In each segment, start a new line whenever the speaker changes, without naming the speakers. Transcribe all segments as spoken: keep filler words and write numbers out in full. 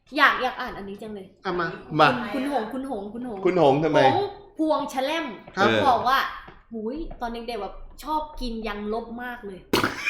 อยากอยากอ่านอันนี้จังเลย
เอามา
มา
คุณหงคุณหงคุณหง
คุณหงทำไม
หงพวงแฉลมเขาบอกว่าหุยตอนเด็กๆแบบชอบกินยังลบมากเลย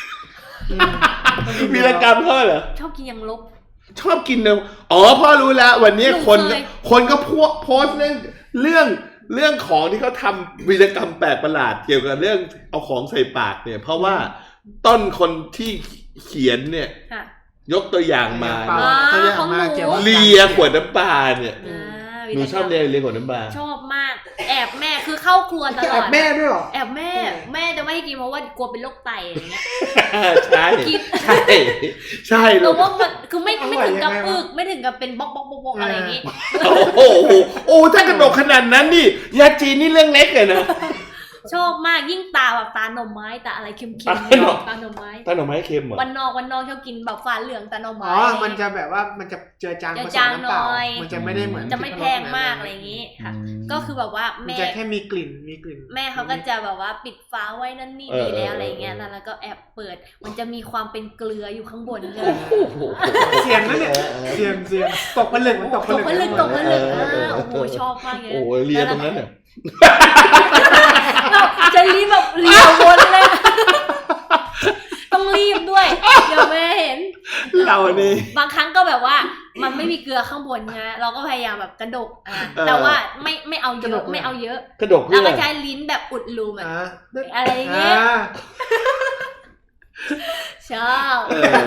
วีรกรรมเขาเหรอ
ชอบกินยังลบ
ชอบกินเนอะอ๋อพ่อรู้แล้ววันนี้คนคนก็พวกโพสเรื่องเรื่องเรื่องของที่เขาทำวีรกรรมแปลกประหลาดเกี่ยวกับเรื่องเอาของใส่ปากเนี่ยเพราะว่าต้นคนที่เขียนเนี่ยยกตัวอย่างมาเลียขวดน้ำปลาเนี่ยหนูชอบเลียเลียขวดน้ำปลา
ชอบมากแอบแม่คือเข้าครัวตลอด
แอบแม่ด้วยหรอ
แอบแม่แม่จะไม่ให้กินเพราะว่ากลัวเป็นโรคไตอะไรเงี้ย
ใช่ใช่ใช่
แต่ว่ามันคือไม่ไม่ถึงกับอึกไม่ถึงกับเป็นบล็อกบล็อกบล็อกอะไรอย่างงี้
โอ้โหโอ้ถ้ากระดกขนาดนั้นนี่ยาจีนนี่เรื่องเล็กเลยนะ
ชอบมากยิ่งตาแบบตาหน่อไม้ตาอะไรเค็มๆตาหน่อไม้
ตาหน่อไม้เค็มเหรอ
วันนอกวันนอกชอบกินแบบฝาเหลืองตาหน่อไม้
อ๋อมันจะแบบว่ามันจะเจือจางผสมน้ำเปล่ามันจะไม่ได้เหมือน
จะไม่แพงมากอะไรอย่างงี้ค่ะก็คือแบบว่าแม่
จะแค่มีกลิ่นมีกลิ่น
แม่เขาก็จะแบบว่าปิดฝาไว้นั่นนี่ดีแล้วอะไรเงี้ยแล้วก็แอบเปิดมันจะมีความเป็นเกลืออยู่ข้างบนเลย
เสียงนั่นเนี่ยเสียงเสียงตกผลึกมันตกผลึก
ตกผลึกโอ้โหชอบมากเลย
โอ้ยเลียตรงนั้นเนี่ย
เราจะรีบแบบเรียววนเลยต้องรีบด้วยเดี๋ยวแม่เห็น
เรานี่
บางครั้งก็แบบว่ามันไม่มีเกลือข้างบนนะเราก็พยายามแบบกระดกอ่ะแต่ว่าไม่ไม่เอาเยอะไม่เอาเยอะ
กระดก
แล้วก็ใช้ลิ้นแบบอุดรูมันอะไรเงี้ยชอบ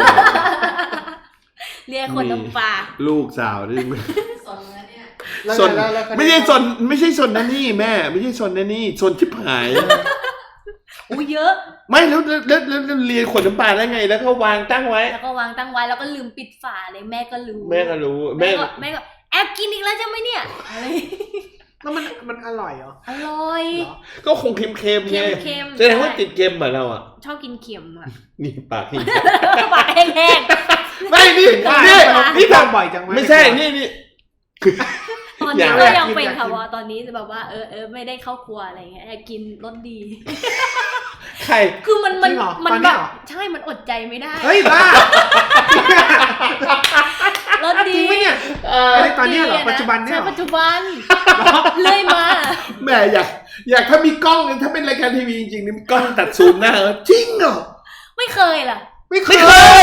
เรียกคนน้ำปลา
ลูกสาวนี่สนไม่ใช่สนไม่ใช่สนนะนี่แม่ไม่ใช่สนนะนี่สนชิบหาย
อู้เยอะ
ไม่แล้วแล้วแล้วเรียนขวดน้ำปลาได้ไงแล้วก็วางตั้งไว้
แล้วก็วางตั้งไว้แล้วก็ลืมปิดฝาเลยแม่ก็รู้
แม่ก็รู้
แม่ก็แม่ก็แอบกินอีกแล้วใช่ไหมเนี่ยอะไร
แล้วมันมันอร่อยเหรอ
อร่อย
ก็คงเค็มๆไงแสดงว่าติดเค็มเหมือนเราอ่ะ
ชอบกินเค็มอ่ะ
นี่ปากนี่
ปากแห้ง
ๆไม่นี่นี่นี่ทำบ่อยจังไม่ใช่นี่นี่
ตอนนี้ก็ยังเป็นค่ะว่าตอนนี้แบบว่าเออเออไม่ได้เข้าครัวอะไรเงี้ยกินรสดี
ใคร
คือมันมันมันแบบใช่มันอดใจไม่ได้
เฮ้ยบ้าร
สดี
จริงไหมเนี่ยตอนนี้เหรอปัจจุบันเนี่ย
ปัจจุบันเลยมา
แม่อยากอยากถ้ามีกล้องถ้าเป็นรายการทีวีจริงๆนี่มีกล้องตัดซูมหน้าจริงเหรอ
ไม่เคยล่ะ
ไม่เคย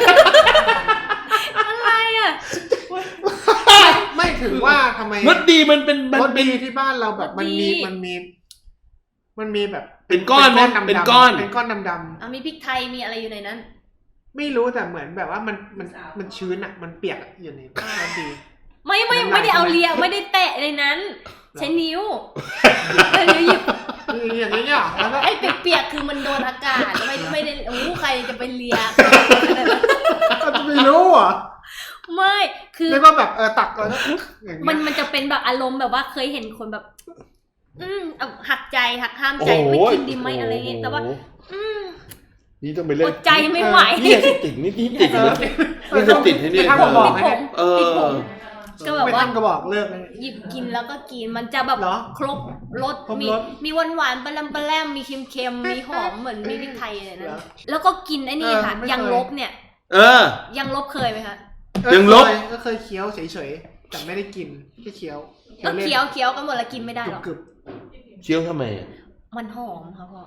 อะไรอ่ะ
ไม่ถึงว่าทำไม
รสดีมันเป็น
รสดีที่บ้านเราแบบมันมีมันมีมันมีแบบ
เป็นก้อนนะเป็นก้อน
เป็นก้อนดำ
ๆอ่ะมีพริกไทยมีอะไรอยู่ในนั้น
ไม่รู้แต่เหมือนแบบว่ามันมันมันชื้นอ่ะมันเปียกอยู่ในรสดี
ไม่ไม่ไม่ได้เอาเลียไม่ได้แตะในนั้นใช้นิ้วนิ้วหยิบ
อย่างนี้เนี่ย
ไอ้เปียกๆคือมันโดนอากาศไม่ไม่ได้โอ้ใครจะไปเลีย
จะไม่รู้อ่ะ
ไม่คือ
ไม่ว่าแบบเออตักแล้ว
มันมันจะเป็นแบบอารมณ์แบบว่าเคยเห็นคนแบบอืมหักใจหักห้ามใจไม่กินดีไหมอะไรเงี้ยแต่ว่าอืม
นี่ต้องไปเล่น
อดใจไม่ไหว
นี่จะติดนี่นี่ติดนะนี่จะติดให้นี่
ทำบอกให้
เออ
ก็แบบว่า
ก็บอกเลิกเลย
หยิบกินแล้วก็กินมันจะแบบครบรสมีมีหวานหวานปลาแรมปลาแรมมีเค็มเค็มมีหอมเหมือนมีพริกไทยอะไรนั่นแล้วก็กินไอ้นี่ค่ะยังลบเนี่ย
เออ
ยังลบเคยไหมคะ
ยังลบ
ก็เคยเคี้ยวเฉยๆแต่ไม่ได้กินแค่เคี้ยว
ก็เคี้ยวเคี้ยวกันหมดแล้วกินไม่ได้หรอก
เคี้ยวทำไม
มันหอมค่ะพ่อ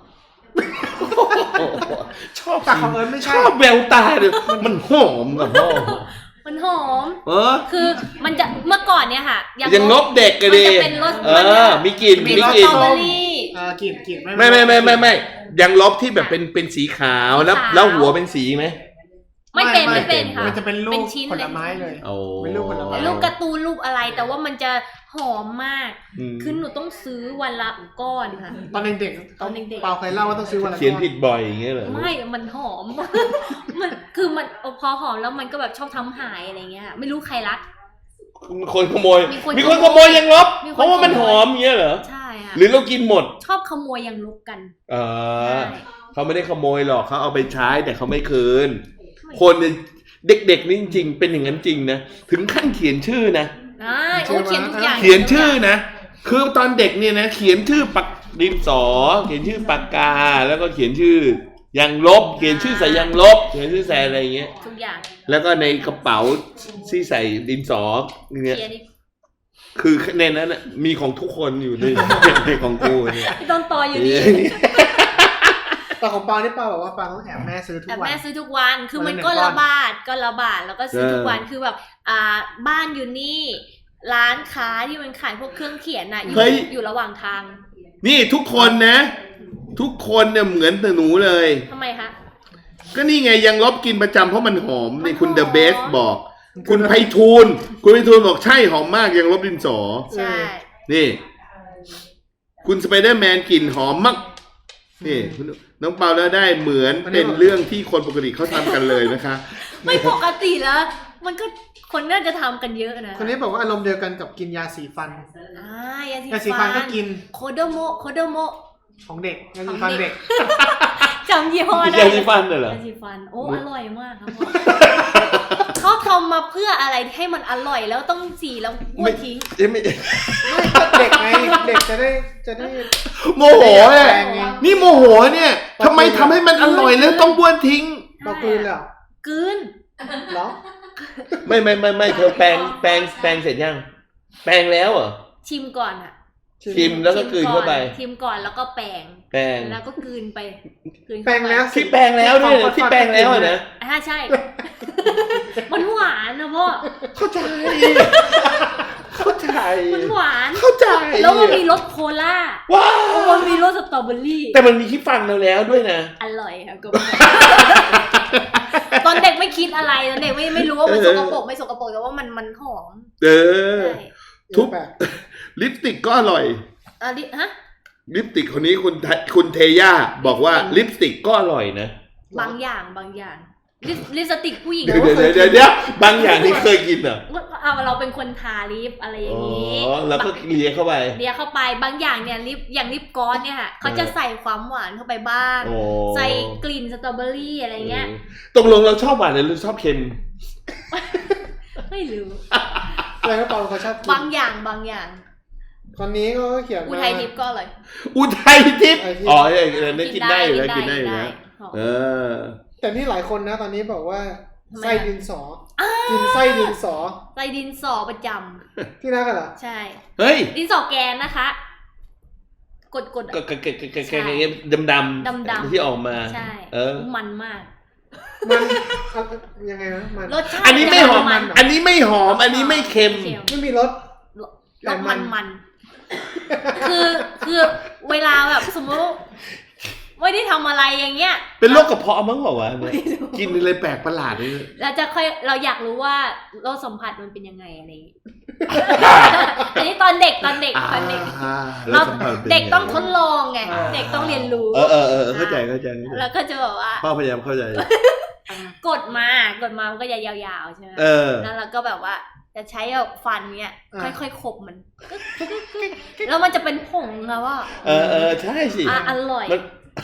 ชอบ
แต่ของเอิญไม่ใช่
ชอบแววตาเลยมันหอมกับพ่อ
มันหอมเออคือมันจะเมื่อก่อนเนี่ยค่ะ
ยังลบเด็กกันดิ
มันจะเป็นรส
เออมีกลิ่นมีกลิ่น
เออกลิ่นกลิ่น
ไม่ไม่ไม่ไม่ไม่ยังลบที่แบบเป็นเป็นสีขาวแล้วแล้วหัวเป็นสีไหม
ไม่เป็นไม่เป็นค่ะ
มันจะเป็นรูปผลไม้เลย
เป็นรูปผลไม้
รูปการ์ตูนรูปอะไรแต่ว่ามันจะหอมมากคือหนูต้องซื้อวันละก้อนค่ะ
ตอนเด็กๆตอนเด็กๆเปล่าเคยเล่าว่าต้องซื้อวันละก้อน
เขียนผิดบ่อยอย่างเงี้ยเหรอ
ไม่มันหอมมันคือมันพอหอมแล้วมันก็แบบชอบทำหายอะไรเงี้ยไม่รู้ใครรัก
มีคนขโมยมีคนขโมยยังลบเพราะว่ามันหอมเงี้ยเหรอ
ใช่ค่ะ
หรือเรากินหมด
ชอบขโมยยังลบกัน
เออเขาไม่ได้ขโมยหรอกเขาเอาไปใช้แต่เขาไม่คืนคนเด็กๆนี่จริงๆเป็นอย่างนั้นจริงนะถึงขั้นเขียนชื่อนะ
อ่าโอ้เขียนทุกอย่าง
เขียนชื่อนะคือตอนเด็กเนี่ยนะเขียนชื่อปากดินสอเขียนชื่อปากกาแล้วก็เขียนชื่อยังลบเขียนชื่อใส่ยังลบเขียนชื่อใส่อะไรอย่างเงี้ย
ทุกอย่าง
แล้วก็ในกระเป๋าที่ใส่ดินสอเนี่ย
เขียนอีก
คือในนั้นน่ะมีของทุกคนอยู่ในในของกูเนี่ย
พี่ต้นตออยู่นี่
แต่ของปานี่ปาบอกว่าปาต้องแอบแม่ซื้อทุก
แต่
วัน
แม่ซื้อทุกวันคือมัน
วันละ
ก็
หนึ่งก้อน
ระบาดก็ระบาดแล้วก็ซื้อทุกวันคือแบบอ่าบ้านอยู่นี่ ร้านค้าที่มันขายพวกเครื่องเขียนน่ะอยู่อยู่ระหว่างทาง
นี่ทุกคนนะ ทุกคนเนี่ยเหมือนแต่หนูเลย
ทำไมคะ
ก็นี่ไงยังลบกินประจำเพราะมันหอมนี่คุณ
มันหอม
เดอะเบสบอก คุณไพฑูรย์คุณไพฑูรย์บอกใช่หอมมากยังลบดินสอ
ใช่
นี่ คุณสไปเดอร์แมนกลิ่นหอมมากนี่คุณน้องเปาแล้วได้เหมือนเป็นเรื่องที่คนปกติเขาทำกันเลยนะคะ
ไม่ปกติแล้ว มันก็คนน่าจะทำกันเยอะนะ
คนนี้บอกว่าอารมณ์เดียวกันกับกินยาสีฟัน
อ่ายาสี
ยาสีฟันก็กิน
โคโดโมโคโดโม
ของเด็กยาสีฟันเด็ก
จำยี่ห้อได้
ยาสีฟันเหรอ
ยาสีฟันโอ้อร่อยมากครับพ่อเขาทำมาเพื่ออะไรให้มันอร่อยแล้วต้องสีแล้วบ้วนทิ้ง
เอ้ยไม่
ไม่ก็เด็กไงเด็กจะได้จะได้
โมโหเนี่ย
แปลงไง
นี่โมโหเนี่ยทำไมทำให้มันอร่อยแล้วต้องบ้วนทิ้ง
เรากลืนเลยเหรอก
ลืน
เหรอ
ไม่ไม่ไม่ไม่เธอแปรงแปรงแปรงเสร็จยัง แปรงแล้วเหรอ
ชิมก่อนอะ
ชิมแล้วก็กลืนเข้าไป
ชิมก่อนแล้วก็แปรง
แปรง
แล้วก็กลืนไปกลืน
แปล
เข้าง ไป
แล้ว
ที่แปรงแล้วด้วยนะที่แปรงแล้วอะนะ
อ่าใช่ มันหวานนะพ่อ
เข้าใจ เข้าใจ
มันหวาน
เข้าใจ
แล้วมันมีรสโคลา
ว้า
มันมีรสสตรอเบอรี่
แต่มันมีที่ฟังเราแล้วด้วยนะ
อร่อยครับก็ตอนเด็กไม่คิดอะไรตอนเด็กไม่ไม่รู้ว่ามันสกปรกไม่สกปรกแต่ว่ามันมันหอม
เออ
ใช่
ทุก
แบบ
ลิปสติกก็อร่อย
อ่ะดิฮะ
ลิปสติกคนนี้คุณไทคุณเทย่าบอกว่าลิปสติกก็อร่อยนะ
บางอย่างบางอย่างลิปลิปสติกผู้หญิง
เดี๋ยวเดี๋ยวเดี๋ยวเดี๋ยวบางอย่างที่เคยกินเหรอ
เอาเราเป็นคนทาลิปอะไรอย่างนี้
อ๋อแล้วก็เลียเข้าไป
เลียเข้าไปบางอย่างเนี่ยลิปอย่างลิปกลอสเนี่ยค่ะเขาจะใส่ความหวานเข้าไปบ้าง
โอ้
ใส่กลิ่นสตรอเบอรี่อะไรเงี้ย
ตกลงเราชอบหวานหรือเราชอบเค็ม
ไม่รู้
อะไรก็ปาเขาชอบกิน
บางอย่างบางอย่าง
คนนี้ก็เขียน
อุ
มา
ทัยทิพย์ก็อร่อย
อุทัยทิพย์
อุทัยทิพย์
อ๋อเออนั่นกินได้อยู่แล้วกินได้อยู่แล้ว
หอม
เออ
แต่นี่หลายคนนะตอนนี้บอกว่า
ทำไมอะ
ไส้ดินสอกินไส้ดินสอ
ใส่ดินสอประจ
ที่นั่นกันเหรอ
ำใช่
เฮ้ย
ดินสอแกนนะคะ กดกด
ก็ก็ก็ก็ก็ดำดำ
ดำๆ
ที่ออกมา
ใช่
เออ
มันมาก
มันเอายังไงนะมัน
รสชาติ
อันนี้ไม่หอม
มัน
อันนี้ไม่หอม อันนี้ไม่เค็ม
ไม่มีรส
รสมันมันคือคือเวลาแบบสมมติไม่ได้ทำอะไรอย่างเงี้ย
เป็นโรคกระเพาะมั้งเหรอวะเนี่ยกินอะไรแปลกประหลาดเลย
เราจะค่อยเราอยากรู้ว่าโรคสัมผัสมันเป็นยังไงอะไรอย่างงี้ อันนี้ตอนเด็กตอนเด็กตอนเด็ก
อ่า
เรา
แล้วสัมผัสป็นไ
เด็กต้องทดลองไงเด็กต้องเรียนรู้
เออเออเออเข้าใจเข้าใจเข้าใจ
แล้วก็จะแบบว่า
พ่อพยายามเข้าใจ
กดมากดมามันก็จะยาวๆใช่ไหม
เออ
แล้วเราก็แบบว่าจะใช้แบบฟันเนี้ยค่อยๆขบมันแล้วมันจะเป็นผงอะว่า
เออเออใช่สิ
อ่ะอร่อย
มัน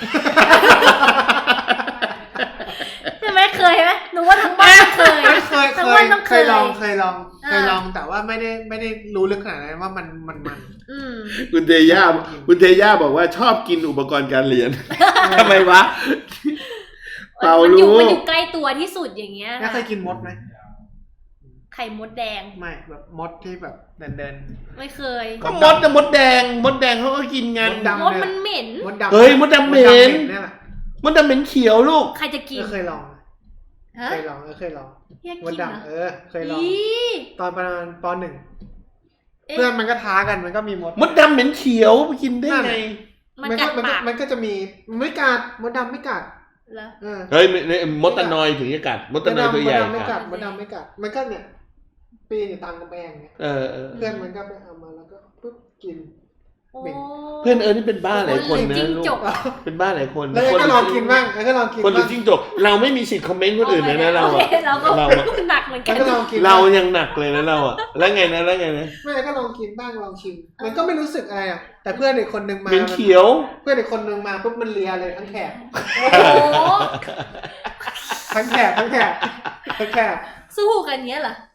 ใช่ไหมเคยไหมหนูว่าทั้งบ้านเคย
ไม่เคย
ทั้
เค
งบ้าย นต้อง
เค
เค
ย
ย
ลองเคยลอง
อ่า
เคยลองแต่ว่าไม่ได้ไม่ได้รู้ลึกขนาดนั้นว่ามันมันมัน
อืม
คุณเทย่าคุณเทย่าบอกว่าชอบกินอุปกรณ์การเรียนทำไมวะ เปล่า
มันอยู่
รู้
มันอยู่ใกล้ตัวที่สุดอย่างเงี้ย
แล้วเคยกินมดไหม
ไข่มดแดง
ไม่แบบมดที่แบบเดินเดิน
ไม่เคย
ก็มดนะมดแดง มดแดงเขาก็กินกัน
มดดำ
มดมันเหม็น
มดดำ
เฮ้ยมดดำเหม็น
เนี่ยแหละ
มดดำเหม็นเขียวลูก
ใครจะกิน
เออเคยลอง
ฮะ
เคยลองเออเคยลอง
อยาก
มด
กินเหรอ
ดำเออเคยลอง
อี
ตอนประมาณปหนึ่ง
เอ๊ะ
เพื่อนมันก็ท้ากันมันก็มีมด
มดดำเหม็นเขียวไปกินได้ไง
มัน
มัน
กั
ก็
ด
มันก็
ปาก
มันก็จะมีไม่กัดมดดำไม่กัด
เหรอ
เออ
เฮ้ยไม่ไม่มดตะนอยถึงจะกัด มดตะนอยตัวใหญ่
มดดำไม่
กั
กั
ด
ดมดดำไม่กัดมันก็เนี่ยปีนอยู่ตามกำแพงเนี่ย
เออเออ
เพื่อนมันก็ไปเอามาแล้วก็ปุ๊บกิน
โอ้
เหม็น
เพื่อนเออนี่เป็นบ้าหลายคนนะ
จิ้ง
ลูก
จก
เป็นบ้าหลายคน
แล้วก็ลองกินบ้างแล้วก็ลองกิน
คนดู
บ้าง
จิ้งจกเราไม่มีสิทธิ์คอมเมนต์คนอื่นเลยนะเรา
โอ
อะ
คเราก็
เราอะ
หนักเหมือนกั
แล้ว
น
ก็ลองกิน
เรายังหนักเลยนะเราอะแล้วไงนะแล้วไงนะ
ไม่ก็ลองกินบ้างลองชิม มันก็ไม่รู้สึกอะไรอ่ะแต่เพื่อนอีกคนนึงมา
เหม็นเขียว
เพื่อนอีกคนนึงมาปุ๊บมันเลียเลยทั้งแถบ
โอ้โห
ทั้งแถบทั้งแถบทั้งแถบ
สู้กันเนี้ยเหรอ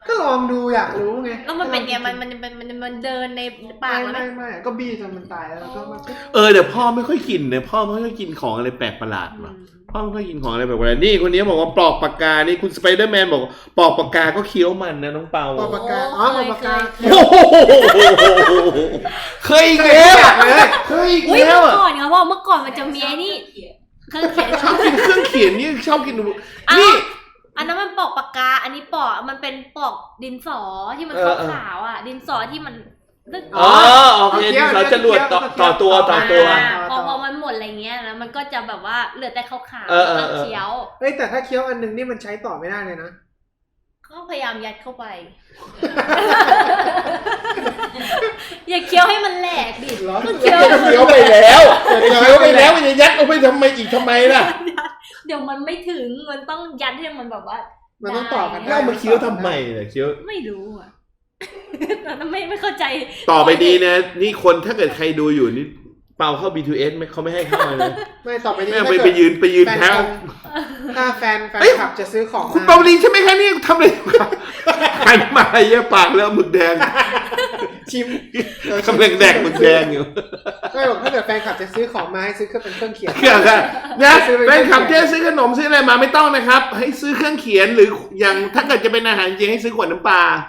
ก็ลองดูอยากรู้ไง
แล้วมันเป็นไงมันมันมันมันมันเดินในปาก
ไม่
แล้ว
ไม่ไม่ก็บี้จนมันตายแล้วก็มันก็
เออเดี๋ยวพ่อไม่ค่อยกินเนี่ยพ่อไม่ค่อยกินของอะไรแปลกประหลาดหรอกพ่อไม่ค่อยกินของอะไรแปลกประหลาดนี่คนนี้บอกว่าปลอกปากกานี่คุณสไปเดอร์แมนบอกปลอกปากกาก็เคี้ยวมันนะน้องเปา
ปอกปากกาอ๋อปอกปากกา
โอ้โหเคยอีกแล้วเคยอีก
อุ้ย
แล้
เมื่
ว
อ
อ่ะ
ก่อนครับว่าเมื่อก่อนมันจะมีไอ้นี่เครื่องเขียน
ชอบกินเครื่องเขียนนี่ชอบกิน
อ้าว
นี่
อันนั้นมันปอกปากกา อันนี้ปอกมันเป็นปอกดินสอที่มัน
เออเออ
ขาวๆอ่ะ ดินสอที่มันนึก
อ๋อโอเคที่เขาจะรวดต่อต่อตัวต่อตัว
อ่าพอพอมันหมดอะไรเงี้ยแล้วมันก็จะแบบว่าเหลือแต่ขาวๆ
เออเออ
แล้ว
เออ
เคี้ยว
เฮ้ยแต่ถ้าเคี้ยวอันหนึงนี่มันใช้ต่อไม่ได้เลยนะ
ก็พยายามยัดเข้าไป อย่าเคี้ยวให้มันแหลกดิ
เหรอ
ก็เคี้ยว
เคี้ยวไปแล้วเคี้ยวไปแล้วมันจะยัดเอาไปทำไมอีกทำไมล่ะ
เดี๋ยวมันไม่ถึงมันต้องยัดให้มันแบบว่า
มันต้องต่อกัน
แล้วเอามาเคี้ยวทำไมเนี่ยเคี้ยว ไม่
ไม่รู้อ่ะ ตอนนั้นไม่ไม่เข้าใจ
ต่อไปดีนะนี่คนถ้าเกิดใครดูอยู่นี่เปาเข้า บี ทู เอส ไม่เขาไม่ให้เข้าเลยนะ
ไม่ต่อไปนี้
ไม่เอาไป
ถ้า
ไป
เกิด
ยืนไปยืน
แฟน
แถว
ถ้าแฟนแฟน
เอ้ย
คลับจะซื้อของ
คุณ
มา
เปาลีใช่ไหมคะนี่ทำอะไรอยู่ครับหันมาเยี่ยปากแล้วหมึกแดง
ชิมเออก
ำลังแดกหมึกแดงอยู่
ไม่บอกถ้าเกิดแฟนคลับจะซื้อของมาให้ซื้อเครื่องเป็นเครื่องเขียน
เครื่องค่ะนะแฟนคลับที่ซื้อขนมซื้ออะไรมาไม่ต้องนะครับ ให้ซื้อเครื่องเขียนหรืออย่างถ้าเกิดจะเป็นอาหารจริงให้ซื้อขวดน้ำปลา